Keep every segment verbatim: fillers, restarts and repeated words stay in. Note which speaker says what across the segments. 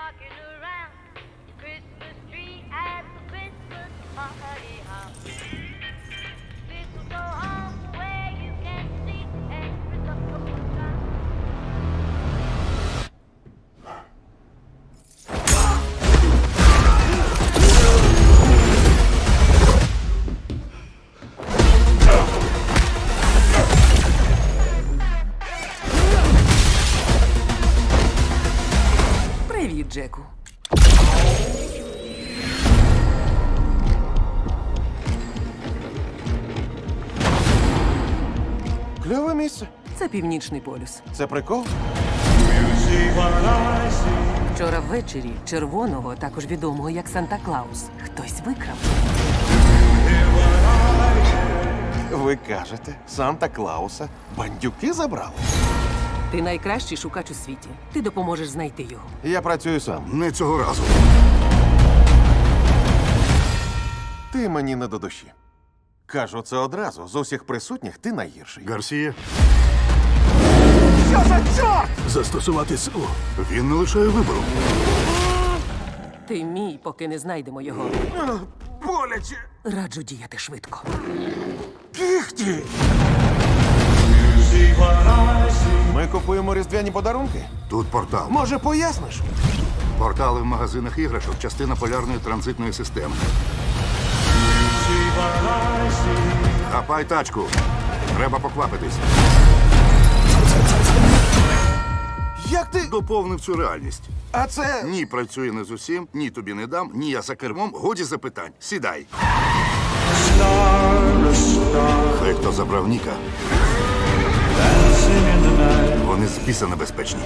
Speaker 1: rocking around the Christmas tree at the Christmas party hop. This will go on where you can see every local time.
Speaker 2: Привіт, Джеку.
Speaker 3: Кльове місце.
Speaker 2: Це Північний полюс.
Speaker 3: Це прикол?
Speaker 2: Вчора ввечері червоного, також відомого як Санта-Клаус, хтось викрав.
Speaker 3: Ви кажете, Санта-Клауса бандюки забрали?
Speaker 2: Ти найкращий шукач у світі. Ти допоможеш знайти його.
Speaker 3: Я працюю сам.
Speaker 4: Не цього разу.
Speaker 3: Ти мені не до душі. Кажу це одразу. З усіх присутніх ти найгірший.
Speaker 4: Гарсія,
Speaker 3: Що за чорт?
Speaker 4: застосувати силу. Він не лишає вибору.
Speaker 2: Ти мій, поки не знайдемо його.
Speaker 3: Боляче.
Speaker 2: Раджу діяти швидко.
Speaker 3: Кіхті. Ми купуємо різдвяні подарунки.
Speaker 4: Тут портал.
Speaker 3: Може, поясниш?
Speaker 4: Портали в магазинах іграшок – частина полярної транзитної системи. Хапай тачку. Треба поквапитись.
Speaker 3: Як ти?
Speaker 4: Доповнив цю реальність.
Speaker 3: А це.
Speaker 4: Ні, працює не з усім, ні тобі не дам, ні я за кермом. Годі запитань. Сідай. Хай хто забрав Ніка. Вони з біса небезпечні.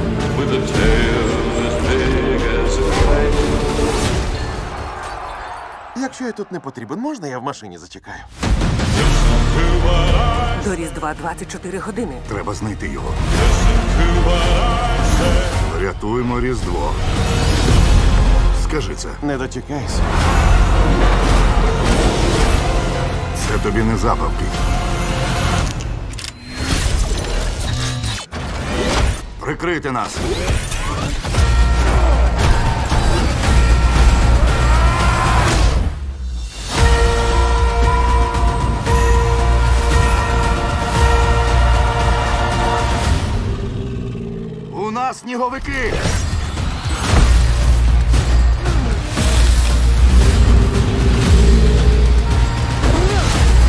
Speaker 3: Якщо я тут не потрібен, можна я в машині зачекаю?
Speaker 2: До Різдва двадцять чотири години.
Speaker 4: Треба знайти його. Рятуємо Різдво. Скажи це.
Speaker 3: Не дочекайся.
Speaker 4: Це тобі не забавки. Прикрийте нас. У нас сніговики.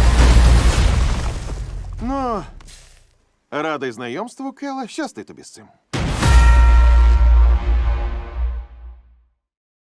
Speaker 3: Ну, радий знайомству, Келе. Щасти тобі з цим.